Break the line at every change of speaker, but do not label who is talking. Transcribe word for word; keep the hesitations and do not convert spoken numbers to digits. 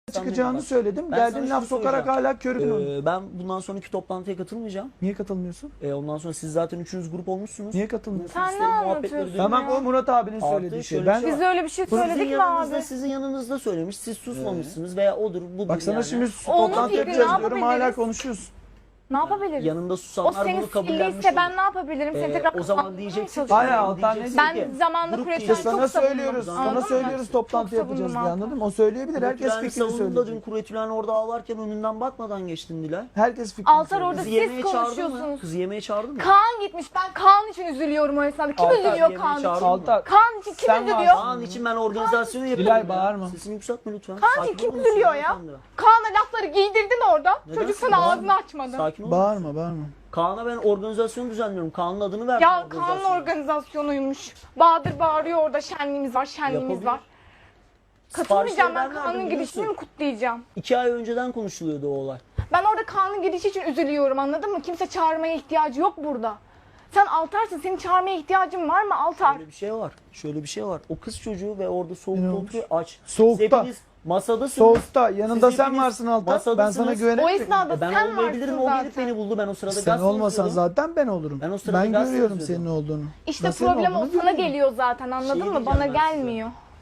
çıkacağını
bak.
söyledim.
Ben
Geldin
sana
laf
şunu
sokarak
soracağım.
hala körükün oynuyorsun.
Ee, ben bundan sonraki toplantıya katılmayacağım.
Niye katılmıyorsun?
Ee, ondan sonra siz zaten üçünüz grup olmuşsunuz.
Niye katılmıyorsun?
Sen ne
Seslerin, muhabbetleri
anlatıyorsun
duyuyorum.
Tamam,
ya?
o Murat abinin
Artı
söylediği şey.
şöyle
Ben
bir şey
Biz öyle bir şey
Sizin
söyledik mi
yanınızda,
abi?
sizin yanınızda söylemiş. Siz susmamışsınız veya odur budur
bak sana
yani.
şimdi
Onun
toplantı
fikri
yapacağız
ne
diyorum, hala
yapabiliriz?
konuşuyorsun.
Ne yapabiliriz?
Yanında
O
susanlar
senin
bunu kabullenmiş
silliyse ben
olur.
ne yapabilirim? Seni
Ee,
tekrar
o zaman
kapatmaya
diyeceksin ki,
çalışıyorum.
Hayır, Altan ne
diyeceksin
Ben
ki,
zamanında
grup
Kuretülen'i
diyeceksin.
Sana
çok savundum.
söylüyoruz,
Anladın
sana
mı?
söylüyoruz toplantı
Çok
yapacağız
savundum
diye,
Altan.
anladın mı? O söyleyebilir, herkes
Kuretülen'i
fikrini
savunduğunda dün
söyleyecek.
Kuretülen orada ağlarken önünden bakmadan geçtin Dilay.
Herkes fikrini
Altar
söyleyecek.
orada
Kızı
siz
yemeğe çağırdın mı?
konuşuyorsunuz.
Kızı yemeğe çağırdın mı?
Kaan gitmiş. Ben Kaan için üzülüyorum o esnada. Kim
Altar
üzülüyor
yemeğe
Kaan için?
çağırdın mı?
Altar,
Kaan için kim
Sen
üzülüyor?
varsın.
Kaan için ben organizasyonu yapıyorum.
Dilay,
ya.
bağırma.
Sesini yükseltme lütfen.
Kaan
Sakin
için kim
olur musun
üzülüyor ya?
hanımefendi?
Kaan'a lafları giydirdin orada.
Neden?
Çocuk sana
Bağırma.
ağzını açmadı.
Sakin ol.
bağırma bağırma.
Kaan'a ben organizasyon düzenliyorum. Kaan'ın adını verdim.
Ya Kaan'ın
organizasyona.
organizasyonuymuş. Bahadır bağırıyor orada, şenliğimiz var, şenliğimiz
Yapabilir.
var. Katılmayacağım,
Siparişleri
ben
verdim,
Kaan'ın
biliyorsun.
girişini mi kutlayacağım?
İki ay önceden konuşuluyordu o olay.
Ben orada Kaan'ın girişi için üzülüyorum, anladın mı? Kimse çağırmaya ihtiyacı yok burada. Sen Altar'sın, senin çağırmaya ihtiyacın var mı Altar?
Şöyle bir şey var. Şöyle bir şey var. O kız çocuğu ve orada soğukta
Ne olmuş?
oturuyor aç.
Soğukta.
Siz hepiniz masadasınız.
Soğukta yanında
Siz
sen
hepiniz
varsın Altar. Ben
masadasınız.
sana
O
güvenerek.
esnada
E ben
sen
olmayabilirim.
varsın
O gelip
zaten.
beni buldu. Ben o sırada
Sen
gazete
olmasan
yazıyordum.
zaten ben olurum.
Ben o sırada
Ben
gazete
görüyorum
yazıyordum.
senin olduğunu.
İşte
Ben senin
problem o
olduğunu
sana
görüyorum.
geliyor zaten, anladın
Şey
mı?
diyeceğim
Bana
ben size.
gelmiyor.